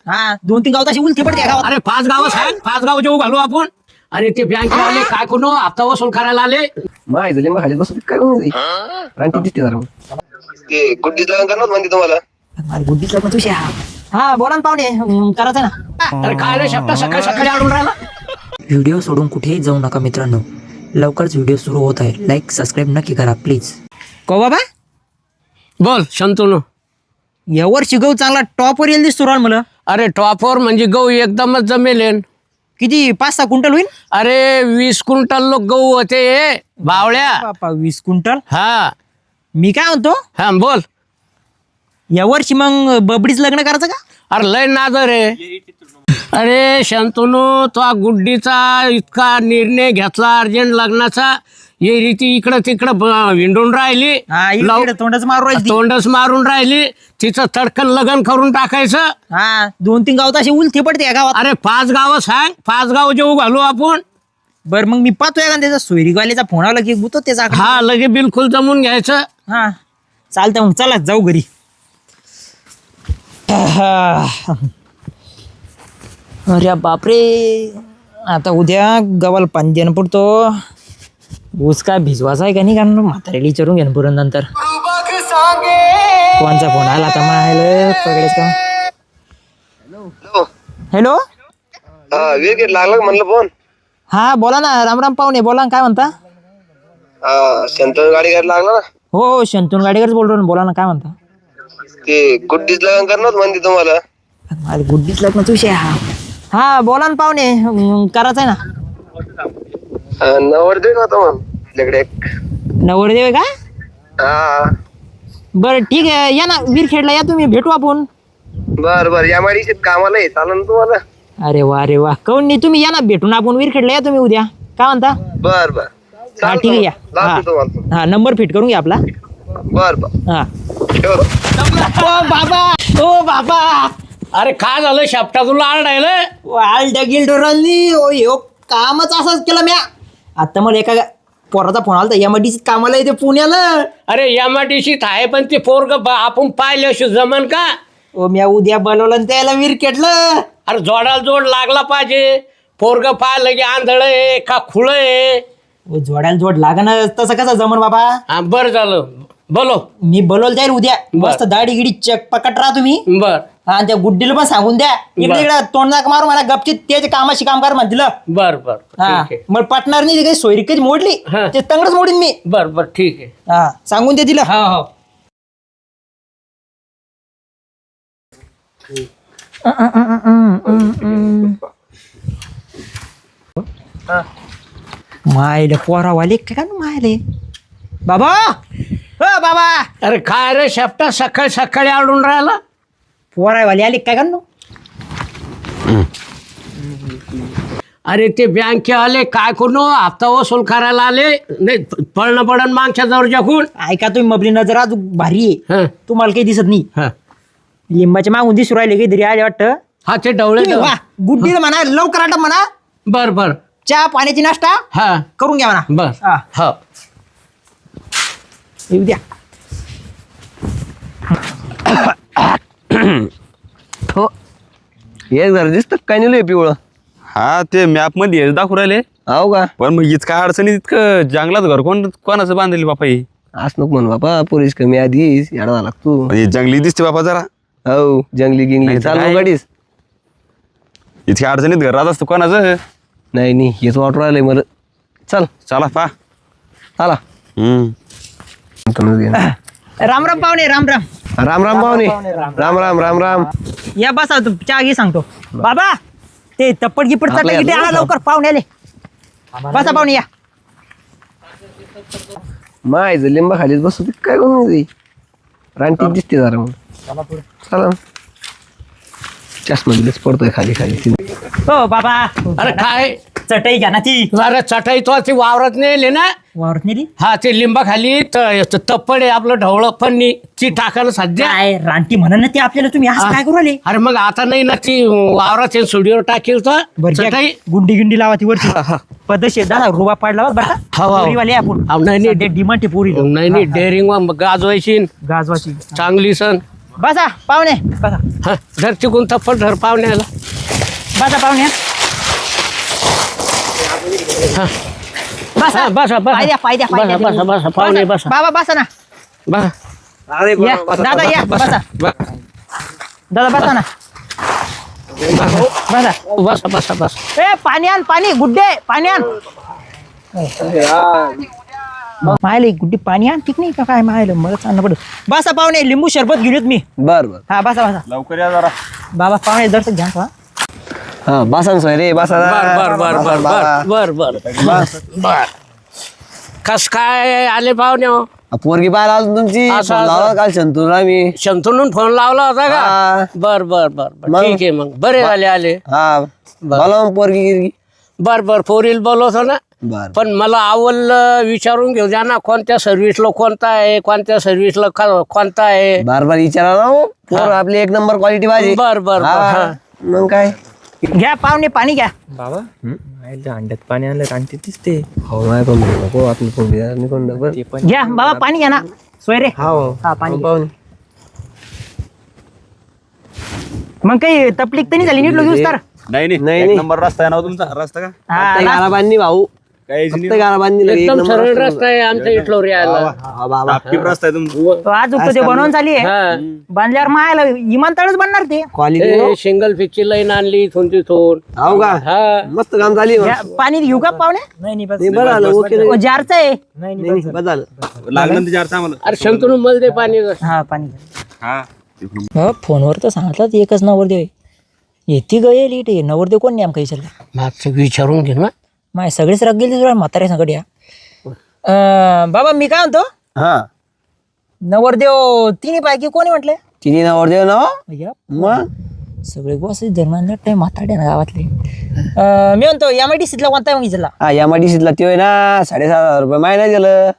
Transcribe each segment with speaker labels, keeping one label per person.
Speaker 1: हा 2-3 गाव तशी उलटी पडते गावात.
Speaker 2: अरे 5 गाव सांग, 5 गाव जेऊ घालू आपण. अरे ते बँक आले काय कोण हप्ता वसूल करायला आले.
Speaker 3: माय झाले मग खाली बसू काय करून रानटी दिसते जरा ते गुड्डीच लग्न करणार म्हणते तुम्हाला
Speaker 1: अरे गुड्डीचा पण तुझ्या हा बोला ना पाहुणे करायचं ना.
Speaker 2: अरे काय रे शेपटा सकाळी सकाळी आडून राहिला.
Speaker 1: व्हिडिओ सोडून कुठेही जाऊ नका मित्रांनो. लवकरच व्हिडिओ सुरू होत आहे. लाईक सबस्क्राईब नक्की करा प्लीज. को बाबा
Speaker 2: बोल शंतनू.
Speaker 1: यावर्षी गहू चांगला टॉपवर येईल दिसतो राव मला.
Speaker 2: अरे टॉपवर म्हणजे गहू एकदमच जमेलेन.
Speaker 1: किती 5-6 क्विंटल होईल.
Speaker 2: अरे 20 क्विंटल लोक गहू होते बावळ्या.
Speaker 1: बापा 20 क्विंटल.
Speaker 2: हा
Speaker 1: मी काय म्हणतो
Speaker 2: हा बोल.
Speaker 1: यावर्षी मग बबडीच लग्न करायचं का.
Speaker 2: अरे लय नादर आहे. अरे शंतनू तो गुड्डीचा इतका निर्णय घेतला अर्जंट लग्नाचा. ये रीती इकडं तिकडं विंडून राहिली.
Speaker 1: तोंडच मारू राहिली ती.
Speaker 2: तोंडच मारून राहिली. तिचं तडकन लग्न करून टाकायचं.
Speaker 1: हा 2-3 गाव तशी उलटी पडते या गावात.
Speaker 2: अरे 5 गाव सांग, 5 गाव जेऊ घालू आपण.
Speaker 1: बरं मग मी पाहतोय का त्याचा सोयरीवाल्याचा फोन आला की गुतो त्याचा.
Speaker 2: हा लगे बिलकुल जमून घ्यायचं.
Speaker 1: हा चालतं मग चला जाऊ घरी. अरे बापरे आता उद्या गव्हाला पाणी देणं पडतो. ऊस काय भिजवायचा आहे का नाही कारण म्हातारेला विचारून घेणं पुरण नंतर. कोणचा फोन आला आता मायला पकडेच का. हॅलो
Speaker 3: हा विकेट लागला का म्हणलं फोन
Speaker 1: हा बोला ना. रामराम पाहुणे बोला ना काय म्हणता.
Speaker 3: हा शंतनू गाडी घ्यायला लागला ना.
Speaker 1: हो शंतून गाडीकरच बोलतो ना. बोला ना काय म्हणता.
Speaker 3: ते गुड्डीच लग्न करणार म्हणते तुम्हाला
Speaker 1: अरे गुड्डीच लग्न तुझे. हा बोला ना पाहुणे करायचं आहे ना.
Speaker 3: नवरदेव होता मग आपल्याकडे एक.
Speaker 1: नवरदेव आहे का.
Speaker 3: हा
Speaker 1: बरं ठीक आहे या ना विरखेडला या तुम्ही भेटू आपण.
Speaker 3: बर या माडीशीत कामाला आहे चालेल ना तुम्हाला.
Speaker 1: अरे वा काऊन नाही तुम्ही या ना भेटून आपण विरखेडला या तुम्ही उद्या काय म्हणता.
Speaker 3: बर
Speaker 1: हा ठीक आहे या. हा नंबर फिट करून घ्या आपला.
Speaker 3: बर
Speaker 1: हा
Speaker 3: ठेवतो.
Speaker 1: ओ बाबा
Speaker 2: अरे काय झालं शेपटा तुला आरडायलं.
Speaker 1: गिल्डोरांनी कामच असंच केलं म्या. आता मला एका पोराचा फोन आला तर एमआयडीसी कामाला येते पुण्याला.
Speaker 2: अरे एमआयडीसी आहे पण ते पोरग आपण पाहिल्याशी जमन का.
Speaker 1: ओ म्या उद्या बोलवलं आणि त्याला विरखेडलं.
Speaker 2: अरे जोडाला जोड लागला पाहिजे. पोरग पाहिलं की आंधळ आहे का खुळ आहे.
Speaker 1: जोडायला जोड लागा ना तसं कसं जमन बाबा.
Speaker 2: हा बरं झालं बोलो.
Speaker 1: मी बोलवलं जाईल उद्या. मस्त दाढी गिडी चक पकट राहा तुम्ही.
Speaker 2: बर
Speaker 1: हा त्या गुड्डीला पण सांगून द्या इकडे इकडे तोंड नाक मारू मला गपचित त्याच्या कामाशी काम कर म्हणतील.
Speaker 2: बर बर
Speaker 1: हा
Speaker 2: ठीक आहे.
Speaker 1: मग पटणार नाही काही सोयरी कधी मोडली
Speaker 2: हा.
Speaker 1: ते तंगडच मोडीन मी.
Speaker 2: बर बर ठीक आहे.
Speaker 1: हा सांगून दे तिला.
Speaker 2: हो हो
Speaker 1: मायले पोरावाले काय का मायले बाबा. हो बाबा
Speaker 2: अरे काय रे शेपटा सकाळी सकाळी आडून राहिला.
Speaker 1: पोरावाले आले काय का.
Speaker 2: अरे ते बँके आले काय कोण हप्ता वसूल करायला आले. नाही पळणं पडण मागच्या दर्जाकून.
Speaker 1: ऐका तुम्ही मबली नजर आज भारी आहे.
Speaker 2: हं,
Speaker 1: तुम्हाला काही दिसत नाही.
Speaker 2: हं.
Speaker 1: लिंबाच्या मागून दिसू राहिले काहीतरी आले वाटतं.
Speaker 2: हा ते डवळे
Speaker 1: तुम्ही वा, गुड्डीला म्हणा लवकर आटप म्हणा.
Speaker 2: बर बर
Speaker 1: चहा पाण्याची नाश्ता
Speaker 2: हा
Speaker 1: करून घ्या म्हणा.
Speaker 2: बर
Speaker 1: हा
Speaker 2: हो
Speaker 1: येऊ द्या.
Speaker 3: हो एक जरा दिसत काय नाही पिवळं.
Speaker 4: हा ते मॅप मध्ये हेच दाखवू राहिले.
Speaker 3: हो का
Speaker 4: पण मग हीच काय अडचणी इतकं जंगलात घर कोणाचं बांधलेली बापा ही.
Speaker 3: आज नको म्हण बाबा पोलीस कमी आधी येडा झाला तू.
Speaker 4: म्हणजे जंगली दिसते बापा जरा.
Speaker 3: हो जंगली गिंगली
Speaker 4: नाही तर
Speaker 3: चालू
Speaker 4: काय?
Speaker 3: गाडीस
Speaker 4: इतक्या अडचणीत घर राहत असतं कोणाचं.
Speaker 3: नाही हेच वाटू राहिलंय मला. चल
Speaker 4: चला पा.
Speaker 3: चला
Speaker 1: राम राम पाहुणे राम राम.
Speaker 3: राम राम पाहुणे राम राम राम राम.
Speaker 1: या बसा तू चहा घे सांगतो. बाबा ते तप्पड गिपड
Speaker 3: आपल्या
Speaker 1: चटई गिटई
Speaker 3: याला
Speaker 1: आणा लवकर पाहुणे आले. बसा पाहुणे या.
Speaker 3: माय लिंबा खालीच बसू ते काय करून रानटी दिसते जरा मग. चला चष्मा दिलेच पडतोय खाली खाली.
Speaker 1: हो बाबा
Speaker 2: अरे काय
Speaker 1: चटई घ्या ना ती.
Speaker 2: अरे चटाई तो ती वावरात नेले ना.
Speaker 1: वावरत नेली
Speaker 2: हा ते लिंबा खाली तप्पड आहे आपलं ढवळं फन्नी ती टाकायला सध्या.
Speaker 1: काय रानटी म्हणा ना ती आपल्याला. तुम्ही असं काय करू आले.
Speaker 2: अरे मग आता नाही ना ती वावरात स्टुडिओ टाकेल तर चटाई.
Speaker 1: गुंडी गिंडी लावा ती वरची पद्धतशीर दादा रुबा पाडला बरं
Speaker 2: हो, हो.
Speaker 1: पोरीवाले आपण.
Speaker 2: नाही नाही
Speaker 1: डिमांड पोरी
Speaker 2: नाही नाही डेअरिंग गाजवायची
Speaker 1: गाजवाची.
Speaker 2: चांगली सण.
Speaker 1: बसा पाहुणे बसा.
Speaker 2: हा धर चिकून थप्पड धर पाहुण्याला.
Speaker 1: बसा पाहुणे.
Speaker 2: हा
Speaker 1: बसा
Speaker 2: हा, बसा
Speaker 1: पाय द्या, पाय द्या, पाय द्या.
Speaker 2: बसा बसा पाहुणे बसा
Speaker 1: बाबा बसा ना.
Speaker 2: बसा.
Speaker 1: या दादा या बसा. दादा बसा ना. बसा.
Speaker 2: बसा बसा बसा.
Speaker 1: ए पाणी आण, पाणी गुड्डे पाणी आण. मायला एक गुड्डी पाणी आण ठीक नाही का काय मायला मला चालणं पडत. बसा पाहुणे लिंबू सरबत घेऊन येत मी.
Speaker 3: बर बर.
Speaker 1: हा बसा बसा.
Speaker 4: लवकर या जरा.
Speaker 1: बाबा पाहुणे दर्शक घ्या हा.
Speaker 3: हा बसा ना सोयरे बसा ना.
Speaker 2: बर बर बर बर बर बर बर. कस काय आले पाहुणे हो?
Speaker 3: पोरगी पाहायला आलो तुमची.
Speaker 2: असं,
Speaker 3: फोन लावला काल शंतूला मी.
Speaker 2: शंतनून फोन लावला होता का?
Speaker 3: हा.
Speaker 2: बर बर बर बर
Speaker 3: मग?
Speaker 2: ठीक आहे मग बरे झाले आले.
Speaker 3: हा बोला मग पोरगी गिरगी.
Speaker 2: बर बर पोरील बोलवतो ना.
Speaker 3: बर
Speaker 2: पण मला आवल विचारून घेऊ द्या ना कोणत्या सर्व्हिसला कोणता आहे कोणत्या सर्व्हिसला कोणता आहे.
Speaker 3: बार बार विचारा ना हो. पोर आपली एक नंबर क्वालिटी पाहिजे.
Speaker 2: बर बर
Speaker 3: हा. मग काय
Speaker 1: घ्या पाहुणे पाणी घ्या.
Speaker 5: बाबा अंड्यात पाणी आणलं रानटी दिसते.
Speaker 3: हो नाही पण नको आपली पोरगी नाही कोण बर.
Speaker 1: घ्या बाबा पाणी घ्या ना सोयरे.
Speaker 3: हो
Speaker 1: हा पाणी घ्या.
Speaker 3: पाहुणे.
Speaker 1: मग काही तपलीक तर नाही झाली नीट लोक तर.
Speaker 4: नाही
Speaker 3: नाही,
Speaker 4: नाही
Speaker 3: नाही.
Speaker 4: एक नंबर रस्ता आहे ना हो तुमचा. रस्ता का
Speaker 3: फक्त गारा बांधणी भाऊ.
Speaker 4: काहीच
Speaker 3: फक्त
Speaker 4: नाही.
Speaker 3: गारा बांधणी लगे एक
Speaker 2: एकदम
Speaker 3: नंबर
Speaker 2: सरळ
Speaker 3: रस्ता.
Speaker 2: रस्ता आहे आमच्या इथलो यायला.
Speaker 3: हा बाबा.
Speaker 4: टापटीप रस्ता आहे तुमचा.
Speaker 1: आज उगतं ते बनवून चालली आहे.
Speaker 2: हा.
Speaker 1: बांधल्यावर मायला विमानतळच बनणार ते.
Speaker 3: क्वालिटी
Speaker 2: सिंगल फिक्सची लाईन आणली इथून तिथून.
Speaker 3: हो का
Speaker 2: हा
Speaker 3: मस्त काम झाली
Speaker 1: घ्या, पाणी घेऊ का पाहुणे.
Speaker 5: नाही बस.
Speaker 3: नाही बरं आलं ओके
Speaker 1: ओ, जारचं आहे.
Speaker 3: नाही बस झालं.
Speaker 4: लागलं ना तिच्या अर्थ आम्हाला.
Speaker 2: अरे शंतनू मला दे पाणी.
Speaker 1: हा पाणी घ्या.
Speaker 4: हा
Speaker 1: फोनवर तर सांगितलं एकच नवरदेव येते गये लीट आहे नवरदेव कोण नाही आमका विचारला.
Speaker 2: मागचं विचारून घे ना.
Speaker 1: माय सगळेच रग गेली तुला म्हाताऱ्या संकट या. बाबा मी काय म्हणतो
Speaker 3: हा
Speaker 1: नवरदेव तिन्ही पैकी कोणी म्हटले.
Speaker 3: तिने नावर देव ना
Speaker 1: या,
Speaker 3: मग
Speaker 1: सगळे बस धर्मांना टाइम म्हाताड्या ना गावातले. मी म्हणतो MIDC ला कोणता मग विचारला.
Speaker 3: हा MIDC ला ते होय ना 7,500 रुपये महिना दिलं.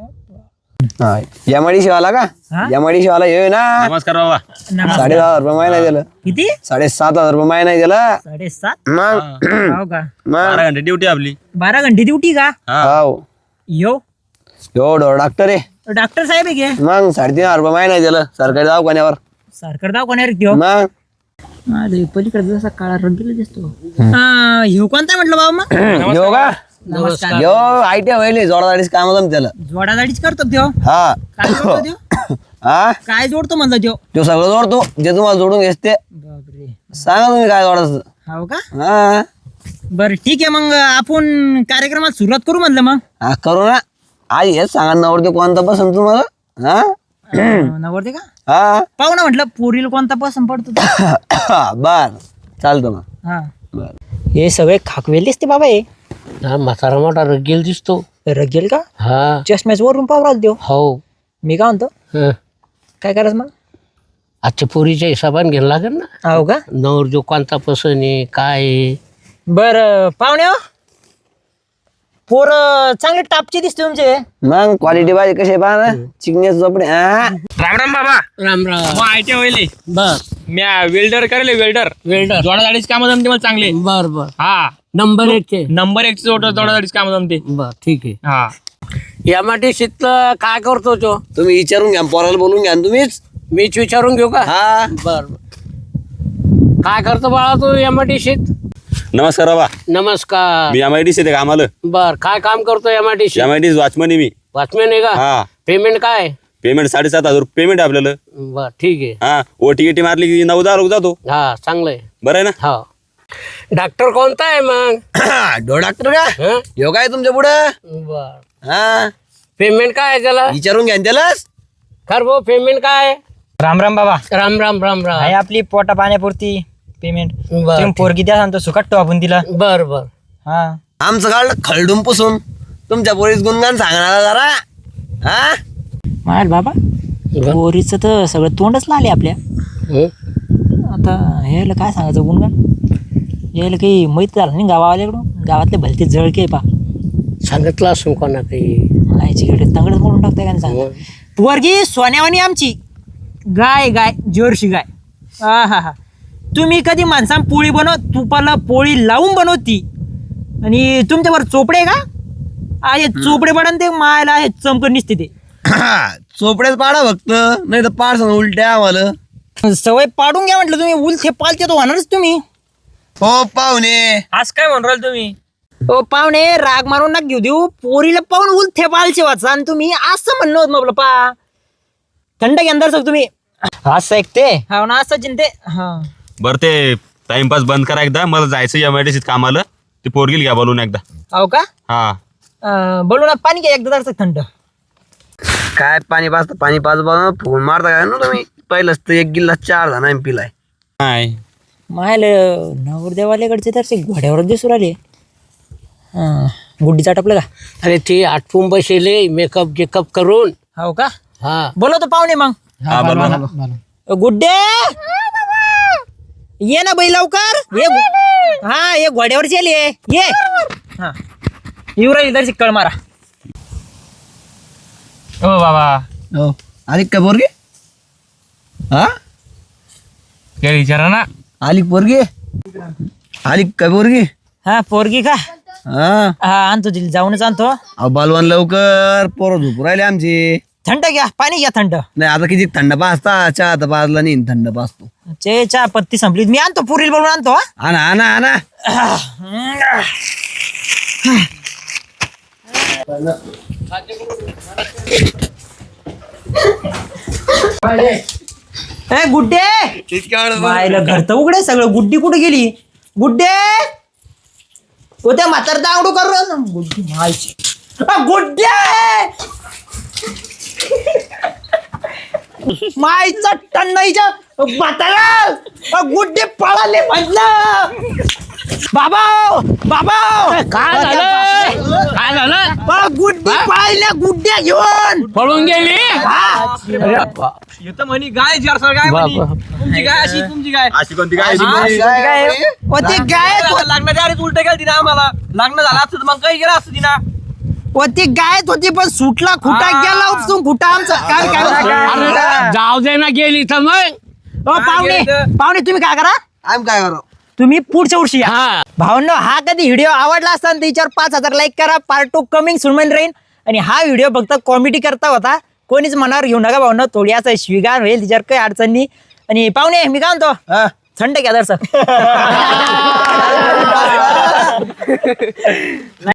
Speaker 3: हा MIDC वाला का
Speaker 1: हा?
Speaker 3: MIDC वाला हे होय ना
Speaker 4: नमस्कार बाबा.
Speaker 3: 7,500 रुपये महिना दिलं.
Speaker 1: किती
Speaker 3: 7,500 रुपये महिना दिला.
Speaker 1: 7:30.
Speaker 3: मग
Speaker 1: हो का
Speaker 3: मग
Speaker 4: 12 घंटे ड्युटी आपली.
Speaker 1: 12 घंटे ड्युटी का.
Speaker 3: हो
Speaker 1: यो
Speaker 3: एवढं डॉक्टर आहे.
Speaker 1: डॉक्टर साहेब आहे की
Speaker 3: मग 3,500 रुपये महिना दिलं सरकारी दवाखान्यावर.
Speaker 1: सरकार दवाखान्यावर देऊ.
Speaker 3: मग
Speaker 1: पलीकडे जसा काळा रंगीला दिसतो. ह्यो कोणता म्हटलं बाबा मग.
Speaker 3: यो का
Speaker 1: नमस्कार.
Speaker 3: यो ITI व्हायले जोडादाडीच काम जम त्याला.
Speaker 1: जोडाजाडीच करतो त्यो.
Speaker 3: हा
Speaker 1: काय जोडतो त्यो.
Speaker 3: हा
Speaker 1: काय जोडतो म्हणलं त्यो.
Speaker 3: तो सगळं जोडतो जे तुम्हाला जोडून घेते.
Speaker 1: बापरे.
Speaker 3: सांगा तुम्ही काय जोडायचं.
Speaker 1: हो का
Speaker 3: हा
Speaker 1: बरं ठीक आहे मग आपण कार्यक्रमात सुरुवात करू म्हणलं मग.
Speaker 3: हा करू ना. आज हेच सांगा नवरते कोणता पसंत तुम्हाला. हा
Speaker 1: नवरते का
Speaker 3: हा
Speaker 1: पाहू ना म्हटलं पोरीला कोणता पसंत पडतो तो.
Speaker 3: बर चालतो मग.
Speaker 1: हा
Speaker 3: बर
Speaker 1: हे सगळे खाकवेल दिसते बाबा हे.
Speaker 2: हा म्हातारा मोठा रगेल दिसतो.
Speaker 1: रगेल का
Speaker 2: हा
Speaker 1: चष्म्याच वरून पावराल देव.
Speaker 2: हो.
Speaker 1: मी काय म्हणतो
Speaker 2: हं.
Speaker 1: काय करायचं मग.
Speaker 2: आजच्या पोरीच्या हिशोबाने घ्यायला लागेल ना.
Speaker 1: हो का
Speaker 2: नवर जो कोणता पसंत आहे काय आहे.
Speaker 1: बर पाहुणे हो पोर चांगले टापचे दिसते तुमचे.
Speaker 3: मग क्वालिटी पाहिजे कसे पहा ना चिकण्याचे चोपडे. हा
Speaker 5: राम राम बाबा.
Speaker 2: राम राम.
Speaker 5: मग ITI होईल.
Speaker 2: बस
Speaker 5: मी वेल्डर करेल वेल्डर.
Speaker 2: वेल्डर.
Speaker 5: जोडाजाडीच काम जमते मला चांगले.
Speaker 2: बर बर
Speaker 5: हा
Speaker 2: नंबर 1 चे.
Speaker 5: नंबर 1 जोडाजाडीच काम जमते.
Speaker 2: बर ठीक आहे.
Speaker 5: हा
Speaker 2: MIDC काय करतो तो.
Speaker 3: तुम्ही विचारून घ्या पोराला बोलून घ्या ना तुम्हीच.
Speaker 2: मीच विचारून घेऊ का.
Speaker 3: हा
Speaker 2: बर काय करतो बाळा तू MIDC.
Speaker 4: नमस्कार बाबा.
Speaker 2: नमस्कार.
Speaker 4: मी MIDC येते कामाला.
Speaker 2: बर काय काम करतो MIDC.
Speaker 4: MIDC वॉचमन आहे मी.
Speaker 2: वॉचमॅन आहे का.
Speaker 4: हा
Speaker 2: पेमेंट काय.
Speaker 4: पेमेंट 7,500 पेमेंट आहे आपल्याला.
Speaker 2: बर ठीक आहे.
Speaker 4: हा OT मारली की 9,000 रुपये जातो.
Speaker 2: हा चांगलं आहे.
Speaker 4: बरं आहे ना.
Speaker 2: हो डॉक्टर कोणता आहे मग.
Speaker 3: डॉक्टर का
Speaker 2: हं?
Speaker 3: यो काय तुमच्या पुढं.
Speaker 2: बर
Speaker 3: हा
Speaker 2: पेमेंट काय आहे त्याला.
Speaker 3: विचारून घ्या ना त्यालाच.
Speaker 2: खर भाऊ पेमेंट काय आहे.
Speaker 1: राम राम बाबा.
Speaker 2: राम राम राम
Speaker 1: आहे
Speaker 2: राम.
Speaker 1: आपली पोटा पाण्यापुरती पेमेंट.
Speaker 2: बर
Speaker 1: तुम्ही पोरगी द्या सांगतो सुकटतो आपण तिला.
Speaker 2: बर बर.
Speaker 1: हा
Speaker 3: आमचं काढलं खळडून पुसून तुमच्या पोरीस गुणगान सांगणार जरा. हा
Speaker 1: माल बाबा पोरीचं तर सगळं तोंडच लाले आपल्या.
Speaker 2: हं?
Speaker 1: आता ह्याला काय सांगायचं गुणगान. यायला काही माहीत झालं नाही गावावाल्याकडून. गावातले भलते जळके पा
Speaker 2: सांगितलं असून कोणा काही.
Speaker 1: आईची कडे तंगडच मोडून टाकताय का सांग. पोरगी सोन्यावानी आमची गाय गाय जर्सी गाय. हा हा हा तुम्ही कधी माणसां पोळी तुपाला पोळी लावून बनवती आणि तुमच्यावर चोपडे का. हे चोपडे पडन ते मायला हे चमकन निसते ते.
Speaker 3: चोपड्याच पाडा फक्त नाही तर पाडसन उलट्या आम्हाला.
Speaker 1: सवय पाडून घ्या म्हटलं तुम्ही. उलथे पालते तो होणारच तुम्ही.
Speaker 3: हो पाहुणे,
Speaker 5: आज काय म्हणून राहिले तुम्ही?
Speaker 1: ओ पाहुणे, राग मारून ना घेऊ देऊ. पोरीला पाहून उलथे पालचे वाचा आणि तुम्ही असं म्हणणं होत मग पा थंड घेणार सग तुम्ही असं ऐकते. हा ना असं चिंते. हा
Speaker 4: बरं ते टाइमपास बंद करा एकदा. मला जायचं MIDC कामाला. ते पोरगील घ्या बोलून एकदा.
Speaker 1: हो का?
Speaker 4: हा
Speaker 1: बोलू ना, पाणी घ्या एकदा जरासं थंड.
Speaker 3: काय पाणी पाजता पाणी फोन मारता काय ना तुम्ही? पहिलंच तर 1 गिल्ला 4 जणांनी पिलाय.
Speaker 4: नाही
Speaker 1: मायल नवरदेवाल्याकडचे तर ते घोड्यावरच दिसू राहिले. गुड्डीचा टपलं का?
Speaker 2: अरे ते आटपून बसेले मेकअप गिकअप करून.
Speaker 1: हो का?
Speaker 2: हा
Speaker 1: बोलवतो पाहुणे मग.
Speaker 4: हा बरोबर.
Speaker 1: गुड्डे ये ना बाई लवकर ये. हा ये घोड्यावरची आली आहे. ये हा येऊ राहिली तरी कळ मारा.
Speaker 5: ओ बाबा,
Speaker 3: हो आली का पोरगी? हा
Speaker 5: काय विचारा ना.
Speaker 3: आली पोरगी? आली का पोरगी?
Speaker 1: हा पोरगी का?
Speaker 3: हा
Speaker 1: हा आणतो तिला, जाऊनच आणतो.
Speaker 3: अहो बालवान लवकर, पोरं झोपू राहिले आमची.
Speaker 1: थंड घ्या, पाणी घ्या थंड.
Speaker 3: नाही आता किती थंड पाजता, चहा तर पाजला नाही, थंड पाजतो.
Speaker 1: चहा पत्ती संपली. मी आणतो, पुरील बोलून आणतो.
Speaker 3: आणा आणा आणा.
Speaker 1: ए गुड्डे, मायला घर तर उघडे सगळं. गुड्डी कुठे गेली? गुड्डे हो त्या म्हातार दांगडू कर. गुड्डी मायची. गुड्डे मायचा टन्नाईच्या म्हातारा. गुड्डे पळाले म्हटलं. बाबा बाबा
Speaker 2: काय झालं? काय झालं?
Speaker 1: गुड्डी पळाल्या, गुड्ड्या घेऊन
Speaker 2: पळून गेली.
Speaker 5: येतं म्हणी गाय जरसर गाय म्हणी. तुमची गाय अशी, तुमची गाय
Speaker 4: अशी कोणती काय
Speaker 1: काय होते गाय?
Speaker 5: लग्नाच्या आधीच उलट गेली तिना. आम्हाला लग्न झालं असतं तर मग काही गेलं असतं तिना.
Speaker 1: होती गायत होती पण सुटला खुटा गेला उपसून खुटा आमचा. काय
Speaker 2: अरे जाऊ दे ना गेली तर मग.
Speaker 1: पाहुणे पाहुणे तुम्ही काय करा,
Speaker 3: आम्ही काय करू?
Speaker 1: तुम्ही पुढच्या वर्षी या.
Speaker 2: हा
Speaker 1: भावनो हा कधी व्हिडिओ आवडला असता त्याच्यावर 5,000 लाईक करा. पार्ट 2 कमिंग सुनमेन राहीन. आणि हा व्हिडिओ फक्त कॉमेडी करता होता, कोणीच मनावर घेऊ नका भावनो. थोडी असं शिवीगाळ होईल, तिच्यावर काही अडचण नाही. आणि पाहुणे मी काय म्हणतो, थंड घ्या जर